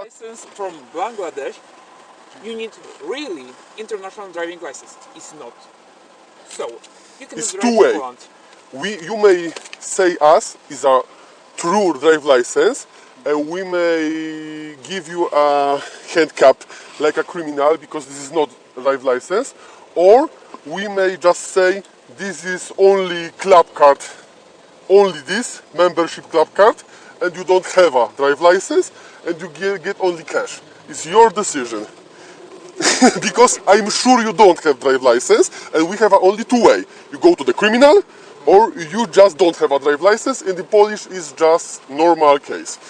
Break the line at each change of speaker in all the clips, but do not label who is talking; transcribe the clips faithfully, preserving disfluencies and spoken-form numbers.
license from Bangladesh, you need really international driving license. It's not. So you can
It's
drive
two
in
way.
Poland.
We, you may say us is a true drive license, and we may give you a handicap like a criminal because this is not a drive license, or we may just say this is only club card, only this membership club card, and you don't have a drive license, and you get, get only cash. It's your decision. Because I'm sure you don't have drive license, and we have a only two way. You go to the criminal, or you just don't have a drive license. In the Polish is just normal case.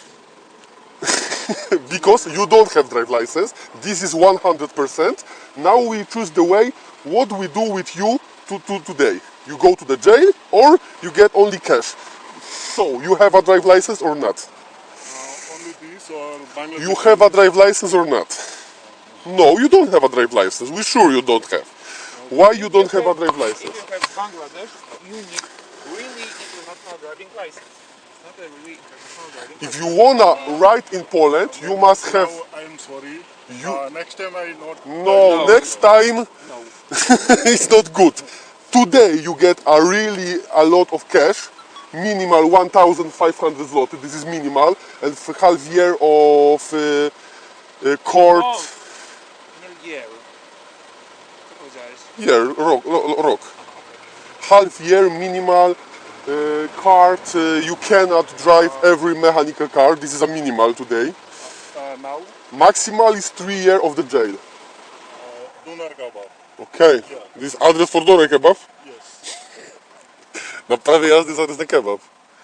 Because you don't have drive license, this is one hundred percent. Now we choose the way what we do with you to, to today. You go to the jail, or you get only cash. So you have a drive license or not?
Uh, only this or Bangladesh?
You have a drive license or not? No, you don't have a drive license. We're sure you don't have. Why you don't have a drive license?
If you have Bangladesh, you need really international driving license. It's not a really international driving
If
license.
you wanna ride in Poland, you must have.
Now I'm sorry.
You-
Uh, next time I not.
No,
No,
next time
No.
it's not good. Today you get a really a lot of cash, minimal one thousand five hundred zloty. This is minimal, and for half year of uh, uh, court.
O, nie year. Co powiedziałeś?
Year, rok, ro- rok. Half year minimal uh, card. Uh, you cannot drive every mechanical car. This is a minimal today.
Uh, now
Maximal is three year of the jail.
uh, Dunar Gaba.
Okay. This is address for Doner Kebab.
Yes.
Na prawie jazdy jest adres na kebab.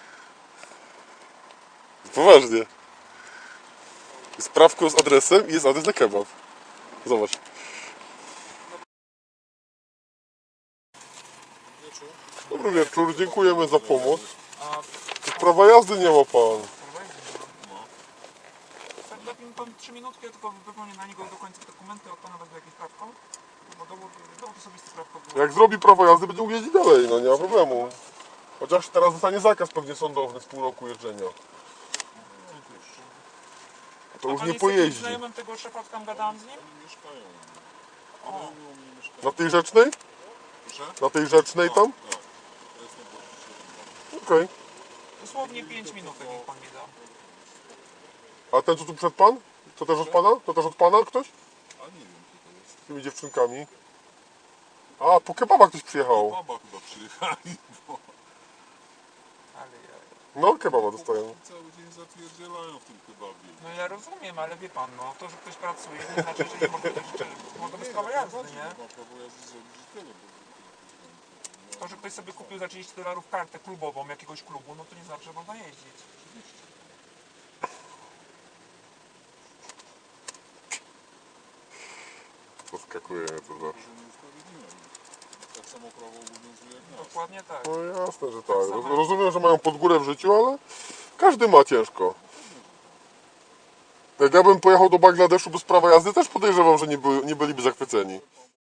Poważnie. Sprawką z adresem i jest adres na kebab. Zobacz. Dobry wieczór, dziękujemy za pomoc. Prawa jazdy nie ma pan.
Tak, da mi pan trzy minutki, ja tylko wypełnię na niego do końca dokumenty, od pana wezmę jakieś prawko. Bo dowód, dowód osobisty prawko było.
Jak zrobi prawo jazdy, będzie mógł jeździć dalej, no nie ma problemu. Chociaż teraz dostanie zakaz pewnie sądowny z pół roku jeżdżenia. To już
Pan
nie
jest jakimś
pojeździ.
znajomym tego szefa, tam gadałem z nim?
Mieszkają.
O,
U mnie mieszkają.
Na tej rzecznej?
Proszę?
Na tej rzecznej tam?
Tak. To jest najbliższy.
Okej.
dosłownie pięć minut, niech pan mi da.
A ten co tu przed pan? To też od pana? To też od pana ktoś?
A nie wiem, kto to jest.
Z tymi dziewczynkami. A, po kebaba ktoś przyjechał.
Baba chyba przyjechali, bo
Ale ja...
No, kebaba dostają.
cały dzień zapierdzielają w tym kebabie.
No ja rozumiem, ale wie pan, no to, że ktoś pracuje, nie znaczy, że nie może być, może być prawo jazdy, nie?
Ma prawo jazdy zrobić i tyle, bo
To, że ktoś sobie kupił za trzydzieści dolarów kartę klubową jakiegoś klubu, no to nie znaczy, że można jeździć.
Zaskakuje mnie to zawsze.
że niesprawiedliwe. Tak samo prawo obowiązuje jak nas.
Dokładnie tak.
No jasne, że tak. Roz- Rozumiem, że mają pod górę w życiu, ale każdy ma ciężko. Jak ja bym pojechał do Bangladeszu bez prawa jazdy, też podejrzewam, że nie, by, nie byliby zachwyceni.